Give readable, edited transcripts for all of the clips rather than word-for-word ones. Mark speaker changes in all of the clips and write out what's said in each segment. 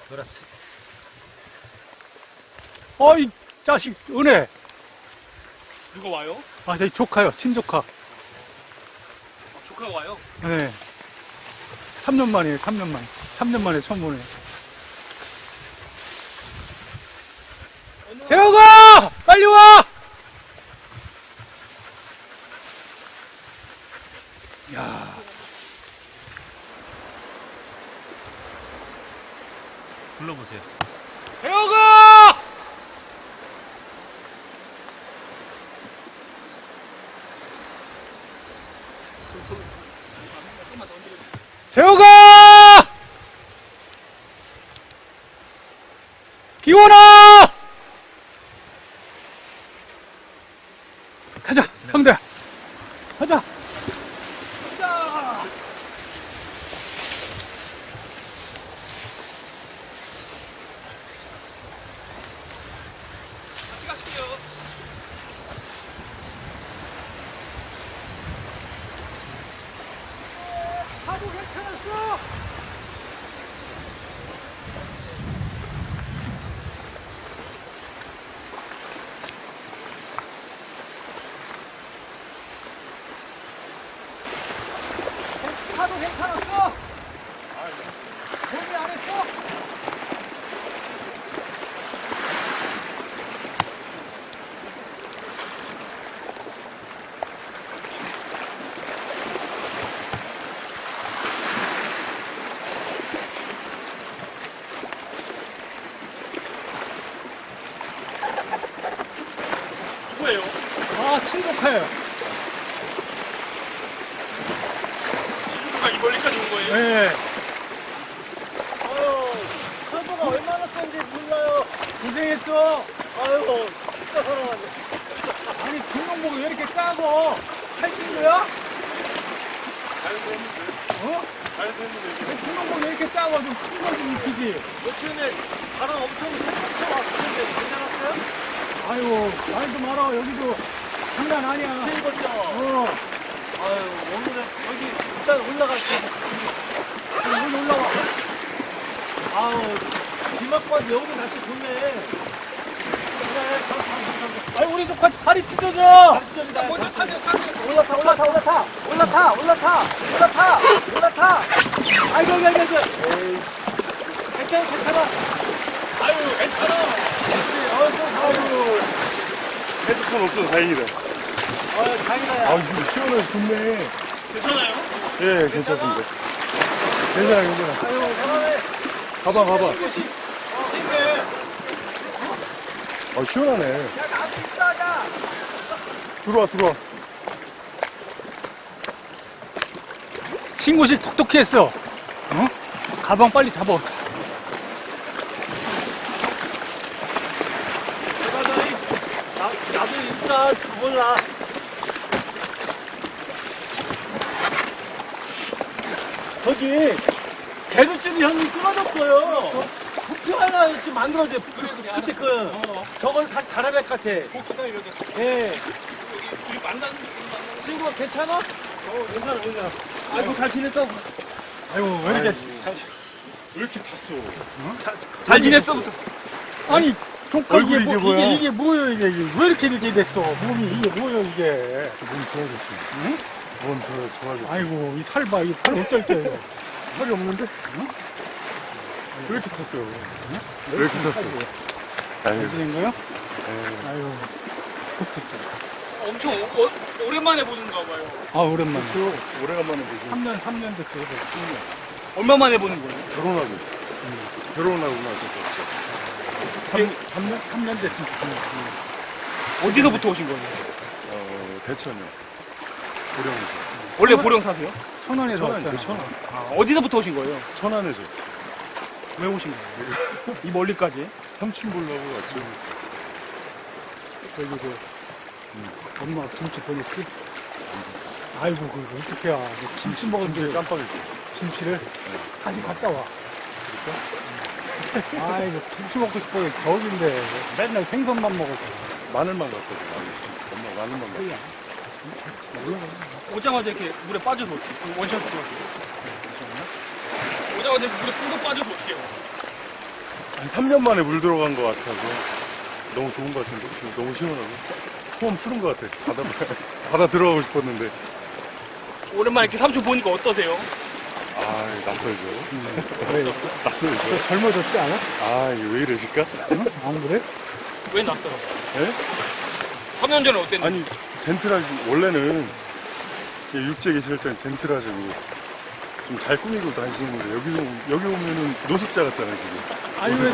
Speaker 1: 놀았어.
Speaker 2: 어이 자식 은혜.
Speaker 1: 누가 와요?
Speaker 2: 아 저희 조카요, 친조카.
Speaker 1: 아, 조카가 와요?
Speaker 2: 네. 3년 만이에요, 3년 만. 3년 만에 처음 보네. 재호가! 빨리 와! 야.
Speaker 1: 불러보세요.
Speaker 2: 재호가! 재호가! 기원아! 가자, 형들. 가자. 가자.
Speaker 1: 같이 가실게요.
Speaker 2: 하도 괜찮았어. 하도 괜찮았어. 준비 안 했어?
Speaker 1: 누구예요?
Speaker 2: 아, 친구카요.
Speaker 1: 친구가 이 멀리까지 온 거예요?
Speaker 2: 네.
Speaker 3: 아유, 철도가 얼마나 센지 몰라요.
Speaker 2: 고생했어.
Speaker 3: 아유, 진짜 사랑하네.
Speaker 2: 아니, 등록목이 왜 이렇게 까고? 할친구야?
Speaker 1: 자연도 했는데.
Speaker 2: 어?
Speaker 1: 자연도 했는데.
Speaker 2: 왜 등록목이 왜 이렇게 까고 좀 큰 거 좀 입히지?
Speaker 3: 며칠 전에 바람 엄청 세게 왔었는데 괜찮았어요?
Speaker 2: 아유, 말도 마라. 여기도 장난 아니야.
Speaker 3: 세입었죠?
Speaker 2: 어,
Speaker 3: 아유, 오늘은 여기 일단 올라갈게요.
Speaker 2: 여기 올라와.
Speaker 3: 아유, 지막과 여기 날씨 좋네. 그래,
Speaker 2: 아니, 우리도 같이 다리 찢어져.
Speaker 3: 가르쳐준다.
Speaker 1: 먼저 타세요, 타세요.
Speaker 3: 올라타, 올라타, 올라타, 올라타, 올라타, 올라타, 올라타. 아이고, 아이고, 아이고. 에이, 괜찮아, 괜찮아.
Speaker 1: 아유, 괜찮아.
Speaker 3: 아이고,
Speaker 4: 헤드폰 없어서 다행이다.
Speaker 3: 아유, 다행이다. 야.
Speaker 4: 이거 시원해, 좋네.
Speaker 1: 괜찮아요?
Speaker 4: 예, 괜찮습니다. 괜찮아, 괜찮아.
Speaker 3: 아유, 잘하네.
Speaker 4: 가봐, 가봐.
Speaker 1: 이것이 네.
Speaker 4: 시원하네.
Speaker 3: 야, 나도 있다가.
Speaker 4: 들어와, 들어와.
Speaker 2: 친구실 톡톡히 했어. 어? 가방 빨리 잡아.
Speaker 3: 나도 있어, 몰라. 저기, 개구ጭ이 형님 끊어졌어요. 부표 하나 지금 만들어줘요. 부표. 그때 저걸 다시 달아야 될 것 같아.
Speaker 1: 복도가 이렇게.
Speaker 3: 예.
Speaker 1: 우리 만나는
Speaker 3: 친구가 괜찮아? 괜찮아, 괜찮아. 아이고, 잘 지냈어?
Speaker 2: 아이고, 왜 이렇게.
Speaker 4: 왜 이렇게 탔어?
Speaker 1: 잘 지냈어?
Speaker 2: 아니, 조카 이게
Speaker 4: 얼굴이
Speaker 2: 뭐,
Speaker 4: 이게 뭐야?
Speaker 2: 이게 뭐예요, 이게. 왜 이렇게 됐어? 몸이 이게 뭐예요, 이게.
Speaker 4: 몸 좋아졌어. 응? 몸 좋아졌어.
Speaker 2: 아이고, 이 살 봐, 이 살 어쩔 때.
Speaker 4: 살이 없는데? 응? 왜 이렇게 탔어? 왜 이렇게 탔어? 아유,
Speaker 2: 어디된 거요?
Speaker 4: 에이.
Speaker 2: 아유,
Speaker 1: 엄청 오랜만에 보는가 봐요.
Speaker 2: 아, 오랜만에.
Speaker 4: 그렇죠. 오래간만에 보지.
Speaker 2: 3년 됐어요.
Speaker 1: 얼마 만에 보는 거예요?
Speaker 4: 결혼하고. 결혼하고 나서 봤죠.
Speaker 2: 3년 됐으면
Speaker 1: 어디서부터 오신 거예요?
Speaker 4: 대천이요. 보령에서.
Speaker 1: 원래 보령 사세요?
Speaker 2: 천원에서
Speaker 4: 천안,
Speaker 2: 왔잖아.
Speaker 4: 그 천안.
Speaker 1: 아, 어디서부터 오신 거예요?
Speaker 4: 천안에서.
Speaker 1: 왜 오신 거예요? 이 멀리까지?
Speaker 4: 삼촌 보려고 왔죠.
Speaker 2: 저기 엄마 김치 보냈지? 아이고 그거 어떻게 해? 김치 먹었는데
Speaker 4: 깜빡했어.
Speaker 2: 김치를 다시 갔다 와. 그럴까? 아이고 김치 먹고 싶어요. 저기인데 맨날 생선만 먹어서.
Speaker 4: 마늘만 갖거든. 엄마 마늘만 갖고.
Speaker 2: 그냥
Speaker 1: 오자마자 이렇게 물에 빠져서 어떻게 원샷 들어가세요? 오자마자 이렇게 물에 푹 빠져서 어떻게 해요?
Speaker 4: 한 3년 만에 물 들어간 것 같아서 너무 좋은 것 같은데? 너무 시원하고. 소원 푸른 것 같아. 바다 들어가고 싶었는데.
Speaker 1: 오랜만에 이렇게 삼촌 보니까 어떠세요?
Speaker 4: 아, 낯설죠.
Speaker 2: 왜?
Speaker 4: 낯설죠.
Speaker 2: 젊어졌지 않아?
Speaker 4: 아, 이게 왜 이러실까?
Speaker 2: 응? 안 그래?
Speaker 1: 왜 낯설어?
Speaker 4: 예?
Speaker 1: 3년 전에 어땠는데?
Speaker 4: 아니, 젠틀하지. 원래는 육지에 계실 땐 젠틀하시고 좀 잘 꾸미고 다니시는데 여기 오면은 노숙자 같잖아요, 지금.
Speaker 2: 아니, 왜도.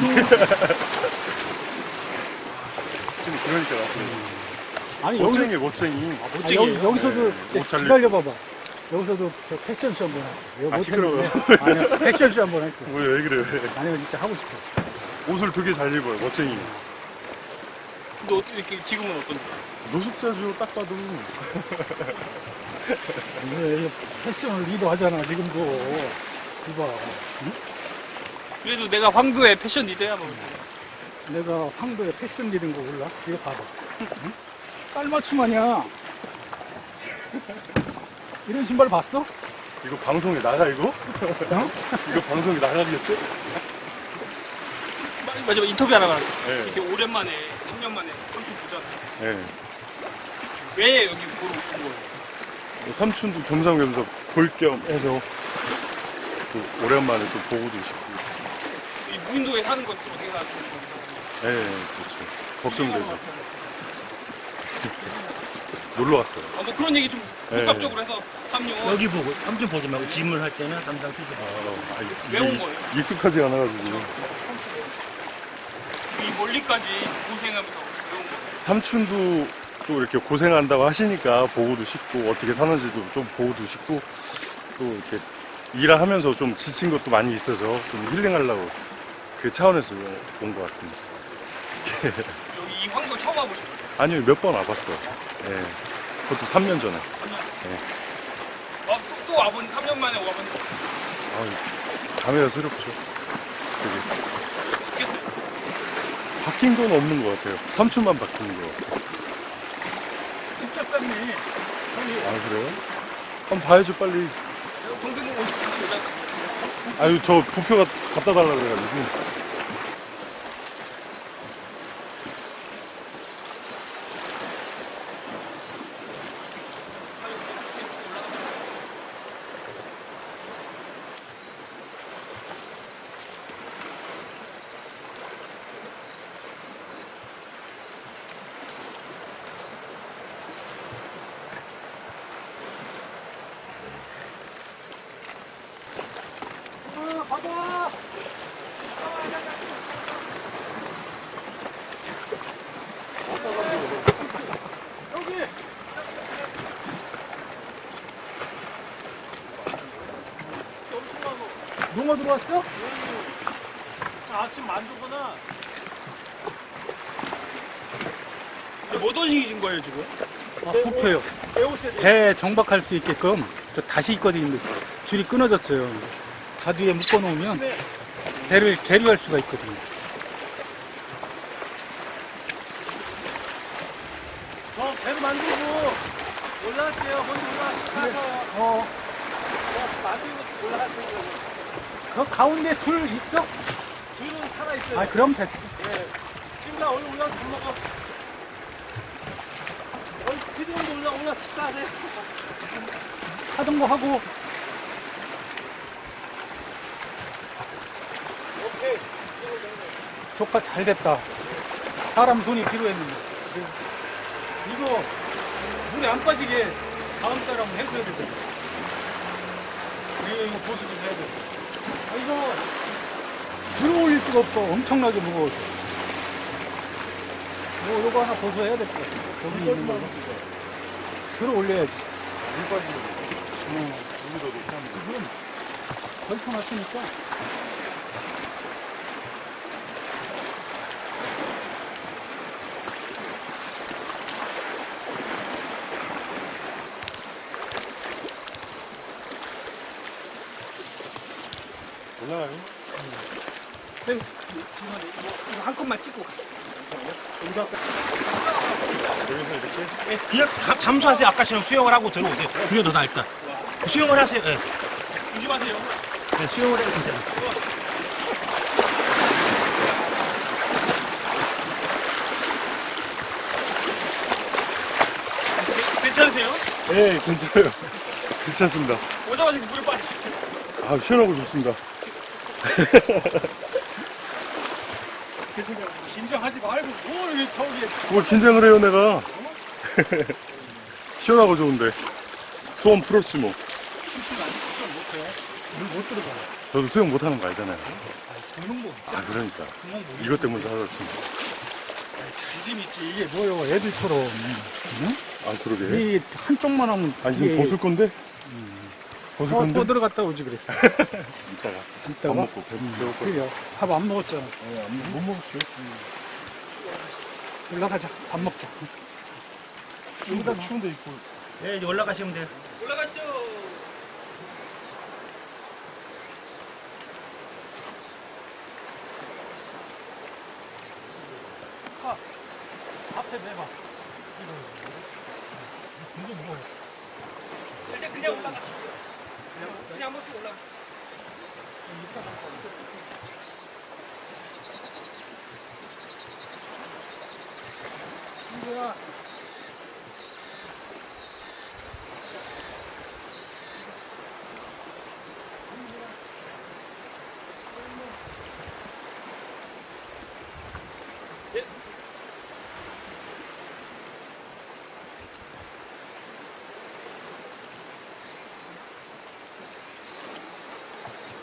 Speaker 4: 좀 그러니까 낯설죠.
Speaker 2: 아니, 여기,
Speaker 4: 멋쟁이, 멋쟁이.
Speaker 2: 아니, 여기서도
Speaker 4: 옷잘
Speaker 2: 기다려봐봐. 여기서도 저 패션쇼 한번 할게.
Speaker 4: 아, 시끄러워요.
Speaker 2: 아니요, 패션쇼 한번 할게.
Speaker 4: 왜 그래요?
Speaker 2: 아니요, 진짜 하고 싶어.
Speaker 4: 옷을 되게 잘 입어요, 멋쟁이.
Speaker 1: 근데 어떻게 이렇게 지금은 어떤데?
Speaker 4: 노숙자죠, 딱 봐도.
Speaker 2: 이거 패션을 리더하잖아, 지금도. 이봐.
Speaker 1: 그래도 내가 황도의 패션 리더야 뭐.
Speaker 2: 내가 황도에 패션 리더인 거 몰라? 이거 봐봐. 응? 깔맞춤 아니야. 이런 신발 봤어?
Speaker 4: 이거 방송에 나가, 이거?
Speaker 2: 어?
Speaker 4: 이거 방송에 나가겠어?
Speaker 1: 마지막 인터뷰 하나 할게.
Speaker 4: 네.
Speaker 1: 이렇게 오랜만에 3년 만에 삼촌 보잖아.
Speaker 4: 네.
Speaker 1: 왜 여기 보러 온 거예요?
Speaker 4: 삼촌도 겸사겸사 볼 겸 해서 또 오랜만에 또 보고도 싶고.
Speaker 1: 이 무인도에 사는 건 어떻게 사는 거예요?
Speaker 4: 네, 그렇죠. 걱정돼서. 놀러 왔어요.
Speaker 1: 뭐 그런 얘기 좀
Speaker 4: 네.
Speaker 1: 복합적으로 해서 3년
Speaker 5: 여기 보고 삼촌 보지 말고 질문할 때는 항상 피자.
Speaker 1: 왜 온 거예요?
Speaker 4: 익숙하지 않아가지고.
Speaker 1: 이 멀리까지 고생하면서 왜 온 거예요?
Speaker 4: 삼촌도 또 이렇게 고생한다고 하시니까 보고도 싶고, 어떻게 사는지도 좀 보고도 싶고, 또 이렇게 일을 하면서 좀 지친 것도 많이 있어서 좀 힐링하려고 그 차원에서 온 것 같습니다.
Speaker 1: 여기 이 황도 처음 와보신 거예요?
Speaker 4: 아니요, 몇 번 와봤어. 예. 그것도 3년 전에.
Speaker 1: 또 와보니 3년 만에 와보니
Speaker 4: 감회가 새롭죠. 되게.
Speaker 1: 어떻겠어요?
Speaker 4: 바뀐 건 없는 것 같아요. 삼촌만 바뀐 거.
Speaker 1: 진짜 쌌네.
Speaker 4: 아, 그래요? 한번 봐야죠, 빨리.
Speaker 1: 동생 오실 때
Speaker 4: 아유, 저 부표 갖다 달라고 그래가지고.
Speaker 1: 가자. 여기.
Speaker 2: 농어 들어왔어?
Speaker 3: 아침 만두구나.
Speaker 1: 뭐 던지신 거예요 지금?
Speaker 2: 아, 부표요.
Speaker 3: 배우셔야 돼.
Speaker 2: 배 정박할 수 있게끔 저 다시 있거든요. 줄이 끊어졌어요. 다 뒤에 묶어놓으면 배를 계류할 수가 있거든요.
Speaker 3: 배를 만들고 올라갈게요. 먼저 올라가서 만들고 올라갈게요.
Speaker 2: 그 가운데 줄 있어?
Speaker 3: 줄은 살아있어요.
Speaker 2: 아, 그럼 됐어.
Speaker 3: 예. 지금 나 얼른 올라가서 밥 먹어. 피디님도 올라 식사하세요.
Speaker 2: 하던 거 하고.
Speaker 3: 오케이.
Speaker 2: 조카 잘 됐다. 사람 손이 필요했는데. 이거 물에 안 빠지게 다음 달에 한번 해줘야 되잖아. 이거 보수 좀 해야 돼. 아, 이거 들어 올릴 수가 없어. 엄청나게 무거워서. 요거 하나 보수해야 될 것 같아. 저기 있는 거. 들어 올려야지.
Speaker 4: 물 빠지는 거. 물이 더 높아하는 거.
Speaker 2: 그럼 걸쳐놨으니까.
Speaker 4: 올라가요?
Speaker 1: 네. 이거 한 컷만 찍고 가.
Speaker 4: 여기서 이렇게?
Speaker 5: 예, 그냥 잠수하세요. 아까처럼 수영을 하고 들어오세요. 그게 더 나을까. 수영을 하세요. 예.
Speaker 1: 조심하세요.
Speaker 5: 네, 수영을 해도 괜찮아요.
Speaker 4: 예, 괜찮아요. 괜찮습니다.
Speaker 1: 오자마자 물에 빠져.
Speaker 4: 아, 시원하고 좋습니다.
Speaker 2: 긴장하지 말고 뭘 저기
Speaker 4: 뭘 긴장을 해요, 내가. 시원하고 좋은데. 소원 풀었지, 뭐.
Speaker 2: 물못 들어가.
Speaker 4: 저도 수영 못하는 거 알잖아요.
Speaker 2: 구멍
Speaker 4: 아, 그러니까.
Speaker 2: 구멍 못
Speaker 4: 이것 때문에 하셨지.
Speaker 2: 잘좀 있지. 이게 뭐요? 애들처럼
Speaker 4: 아, 그러게.
Speaker 2: 이 한쪽만 하면
Speaker 4: 아니, 지금 벗을 건데? 벗을 건데?
Speaker 2: 또 들어갔다 오지 그랬어.
Speaker 4: 이따가. 밥
Speaker 2: 이따가
Speaker 4: 먹고 배고플 거.
Speaker 2: 그래요. 밥 안 먹었잖아.
Speaker 4: 못 먹었죠.
Speaker 2: 올라가자. 밥 먹자.
Speaker 4: 추운데 입고.
Speaker 5: 예, 이제 올라가시면 돼요.
Speaker 2: 앞에 내봐.
Speaker 5: 그냥 올라가시면 돼요. 그냥 한번 쭉 올라가.
Speaker 2: 이거야.